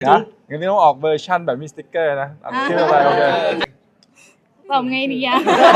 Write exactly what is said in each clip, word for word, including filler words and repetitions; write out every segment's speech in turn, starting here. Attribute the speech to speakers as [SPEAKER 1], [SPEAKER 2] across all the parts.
[SPEAKER 1] นะงั้นนี่ต้องออกเวอร์ชั่นแบบมีสติ๊กเกอร์นะชื่ออะไรโอเค
[SPEAKER 2] ตอบไงดีอะ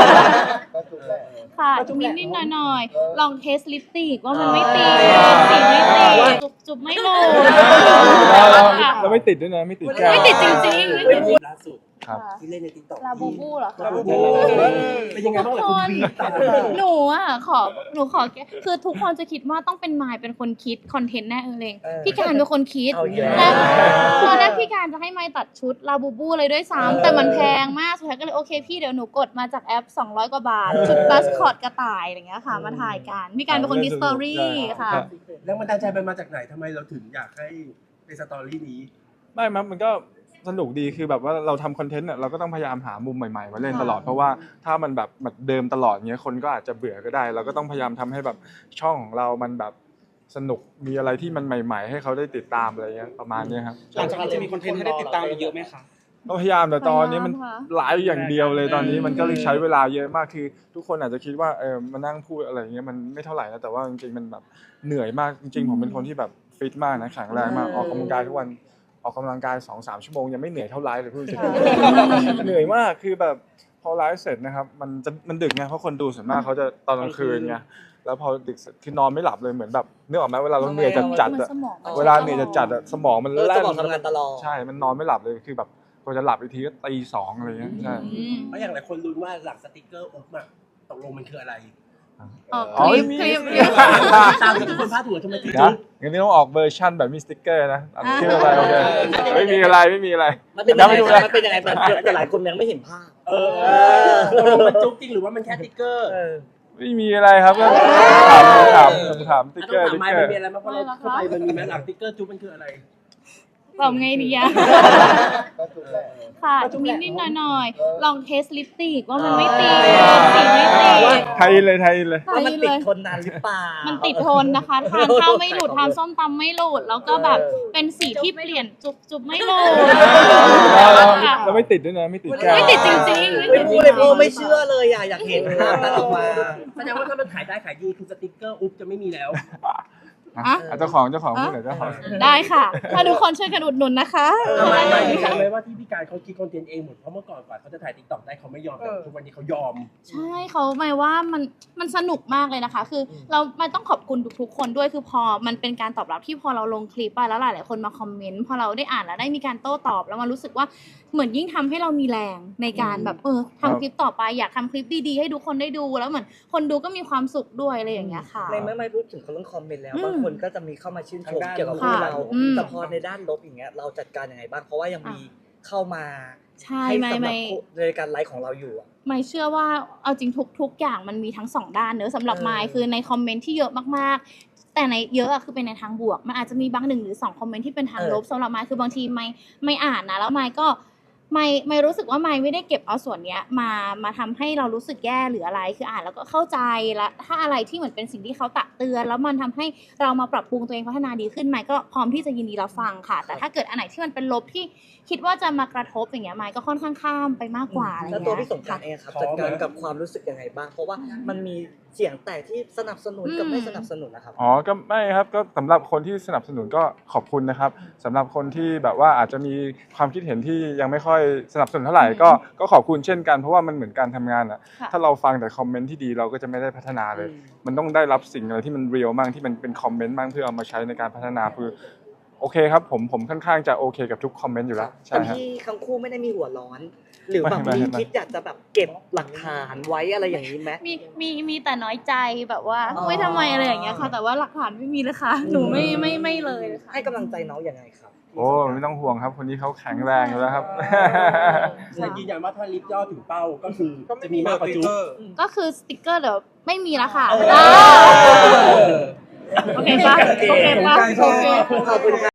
[SPEAKER 2] ค่ะนิดนิดหน่อยหน่อยลองเทสลิปสติกว่ามันไม่ติดสีไม่ติดจุบจุบไม่โหลด
[SPEAKER 1] เราไม่ติดด้วยนะไม่ติดแก้ว
[SPEAKER 2] ไม่ติดจริงๆไม่ติด
[SPEAKER 3] ล่าสุด
[SPEAKER 1] ครับ
[SPEAKER 3] ที่เล่นในติ๊กต็อก
[SPEAKER 2] ลาบูบูเหรอคะ
[SPEAKER 3] เป็นยังไงบ้างล่ะคุณวี
[SPEAKER 2] หนูอ่ะขอหนูขอคือทุกคนจะคิดว่าต้องเป็นมายเป็นคนคิดคอนเทนต์แน่เออเลงพี่การเป็นคนคิดและตอนแรกพี่การจะให้มายตัดชุดลาบูบูเลยด้วยซ้ำแต่มันแพงมากสุดท้ายก็เลยโอเคพี่เดี๋ยวหนูกดมาจากแอปสองร้อยกว่าบาทชุดบัสคอตกระต่ายอะไรเงี้ยค่ะมาถ่ายกันพี่การเป็นคนคิดสตอรี่ค่ะ
[SPEAKER 3] แรงบันดาลใจมันมาจากไหนทำไมเราถึงอยากให้เป็นสตอรี่นี้
[SPEAKER 1] ไม่มันมันก็สนุกดีคือแบบว่าเราทำคอนเทนต์เนี่ยเราก็ต้องพยายามหามุมใหม่ๆมาเล่นตลอดเพราะว่าถ้ามันแบบแบบเดิมตลอดเงี้ยคนก็อาจจะเบื่อก็ได้เราก็ต้องพยายามทำให้แบบช่องของเรามันแบบสนุกมีอะไรที่มันใหม่ๆให้เขาได้ติดตามอะไรเงี้ยประมาณนี้ครับ
[SPEAKER 4] หลังจากนี้จะมีคอนเทนต์ให้ได้ติดตามเยอะไหมคะ
[SPEAKER 1] ก็พยายามแต่ตอนนี้มันไลฟ์อย่างเดียวเลยตอนนี้มันก็เลยใช้เวลาเยอะมากคือทุกคนอาจจะคิดว่าเออมานั่งพูดอะไรเงี้ยมันไม่เท่าไหร่นะแต่ว่าจริงๆมันแบบเหนื่อยมากจริงๆผมเป็นคนที่แบบฟิตมากนะแข็งแรงมากออกกำลังกายทุกวันออกกำลังกาย สองถึงสาม ชั่วโมงยังไม่เหนื่อยเท่าไลฟ์เลยพูดจริงเหนื่อยมากคือแบบพอไลฟ์เสร็จนะครับมันจะมันดึกไงเพราะคนดูส่วนมากเขาจะตอนกลางคืนไงแล้วพอดึกคือนอนไม่หลับเลยเหมือนแบบนึกออกไหมเวลาเราเหนื่อยจัดจัดอะเวลาเหนื่อยจัดจัดอะสมองมันแล่น
[SPEAKER 5] ทำงานตลอด
[SPEAKER 1] ใช่มันนอนไม่หลับเลยคือแบบพอจะหลับอีกทีก็ตีสองอะไรเงี้ยใช่
[SPEAKER 3] เพราะอย่างหลายคนรู้ว่าหลังสติ๊กเกอร์อุ๊บอะตกลงมันคืออะไร
[SPEAKER 2] อ๋อคลิปคลิป
[SPEAKER 3] ตามที่ทุกคนพลาดหัวทำไมถึง
[SPEAKER 1] นะงั้นนี่ต้องออกเวอร์ชั่นแบบมีสติ๊กเกอร์นะชื่ออะไรโอเคไม่มีอะไรไม่มีอะไร
[SPEAKER 5] มันเป็นยังไงมันเป็นยังไงแต่หลายคนยังไม่เห็นภาพ
[SPEAKER 3] เออมันจุ๊บจริงหรือว่ามันแค่ติ๊กเกอร์
[SPEAKER 1] ไม่มีอะไรครับก็ถามถามถามติ๊กเกอร์
[SPEAKER 3] ติ๊กเกอร์มันมีอะไรบ้างเพราะเราเข้าไปมันมีแม้หลังติ๊กเกอร์จุ๊บมันคืออะไร
[SPEAKER 2] ตอบไงดีอะค่ะนิดนิดหน่อยหน่อยลองเทสลิปสติกว่ามันไม่ติดสีไม่ติด
[SPEAKER 1] ไทยเลยไทยเลย
[SPEAKER 5] ว่ามันติดทนนานหรือเปล่า
[SPEAKER 2] มันติดทนนะคะทานข้าวไม่หลุดทานส้มตำไม่หลุดแล้วก็แบบเป็นสีที่เปลี่ยนจุบจุบไม่หลุด
[SPEAKER 1] เราไม่ติดด้วยนะไม่ติดแก้ว
[SPEAKER 2] ไม่ติดจริงๆ
[SPEAKER 5] ไม่พูดเลยโอ้ไม่เชื่อเลยอ่ะอยากเห็นภาพนั้นออกมา
[SPEAKER 3] แสดงว่าถ้ามันขายได้ขายดีคือสติ๊กเกอร์อุ๊บจะไม่มีแล้ว
[SPEAKER 1] เจ้าของเจ้าของพูดหน่อยเจ้าของ
[SPEAKER 2] ได้ค่ะถ้าทุกคนช่วยกันอุดหนุนนะคะ
[SPEAKER 3] ไม่ไม่ไม่ใช่เลยว่าที่พี่การเขาคิดคอนเทนต์เองหมดเพราะเมื่อก่อนกว่าเขาจะถ่ายติ๊กต็อกได้เขาไม่ยอมแต่ทุกวันนี้เขายอม
[SPEAKER 2] ใช่เขาหมายว่ามันมันสนุกมากเลยนะคะคือเรามันต้องขอบคุณทุกๆคนด้วยคือพอมันเป็นการตอบรับที่พอเราลงคลิปไปแล้วหลายๆคนมาคอมเมนต์พอเราได้อ่านแล้วได้มีการโต้ตอบแล้วมันรู้สึกว่าเหมือนยิ่งทำให้เรามีแรงในการแบบเออทำคลิปต่อไปอยากทำคลิปดีๆให้ทุกคนได้ดูแล้วเหมือนคนดูก็มีความสุขด้วยอะไรอย่างเงี้ยค่ะ
[SPEAKER 5] ในเมื่อไม่พูดถึงเขาเรื่องคอมเมนต์แล้วบางคนก็จะมีเข้ามาชื่นชมเกี่ยวกับคู่เราแต่พอในด้านลบอย่างเงี้ยเราจัดการยังไงบ้างเพราะว่ายังมีเข้ามา
[SPEAKER 2] ให้สำหรับ
[SPEAKER 5] ในการไลฟ์ของเราอยู่อ่ะ
[SPEAKER 2] ไม่เชื่อว่าเอาจริงทุกๆอย่างมันมีทั้งสองด้านเนอะสำหรับไมค์คือในคอมเมนต์ที่เยอะมากๆแต่ในเยอะอะคือเป็นในทางบวกมันอาจจะมีบางหนึ่งหรือสองคอมเมนต์ที่เป็นทางลบสำหรับไมค์คือบางทีไม่ไม่อ่านนะแล้วไมค์ก็ไม่ไม่รู้สึกว่าไม่ไม่ได้เก็บเอาส่วนเนี้ยมามาทำให้เรารู้สึกแย่หรืออะไรคืออ่านแล้วก็เข้าใจแล้วถ้าอะไรที่เหมือนเป็นสิ่งที่เขาตักเตือนแล้วมันทำให้เรามาปรับปรุงตัวเองพัฒนาดีขึ้นไม่ก็พร้อมที่จะยินดีรับฟังค่ะแต่ถ้าเกิดอันไหนที่มันเป็นลบที่คิดว่าจะมากระทบอย่างเงี้ยไม่ก็ค่อนข้างข้ามไปมากกว่าอะไรเงี้ย
[SPEAKER 5] แล้วตัวพี่สงกรานต์เองครับจัดการกับความรู้สึกยังไงบ้างเพราะว่ามันมีเสียงแตกที่สนับสนุนกับไม่สนับสนุนนะครับ
[SPEAKER 1] อ๋อก็ไม่ครับก็สำหรับคนที่สนับสนุนก็ขอบคุณนะครับสำหรับคนที่แบบว่าอาจจะมีความคิดเห็นที่ยังไม่ค่อยสนับสนุนเท่าไหร่ก็ก็ขอบคุณเช่นกันเพราะว่ามันเหมือนการทำงานอ่ะถ้าเราฟังแต่คอมเมนต์ที่ดีเราก็จะไม่ได้พัฒนาเลยมันต้องได้รับสิ่งอะไรที่มันเรียลมากที่มันเป็นคอมเมนต์มากเพื่อเอามาใช้ในการพัฒนาคือโอเคครับผมผมค่อนข้างจะโอเคกับทุกคอมเมนต์อยู่แล้วใช่ครับ
[SPEAKER 5] ที่ทั้งคู่ไม่ได้มีหัวร้อนหรือแบบมีคิดอยากจะแบบเก็บหลักฐานไว้อะไรอย่างนี้ไหม
[SPEAKER 2] มีมีมีแต่น้อยใจแบบว่าไม่ทำไมอะไรอย่างเงี้ยค่ะแต่ว่าหลักฐานไม่มีเลยค่ะหนูไม่ไม่ไม่เลยค่ะ
[SPEAKER 5] ให้กำลังใจน้องยังไงครับ
[SPEAKER 1] โอ้ไม่ต้องห่วงครับคนนี้เขาแข็งแรงอยู่แล้วครับ
[SPEAKER 3] แต่ยืนยันว่าถ้าลิฟต์ย่อถึงเป้าก็คือจะมีมากกว่าจุ๊บ
[SPEAKER 2] ก็คือสติ๊กเกอร์เดี๋ยวไม่มีแล้วค่ะโอเคปะโอเคปะโอเค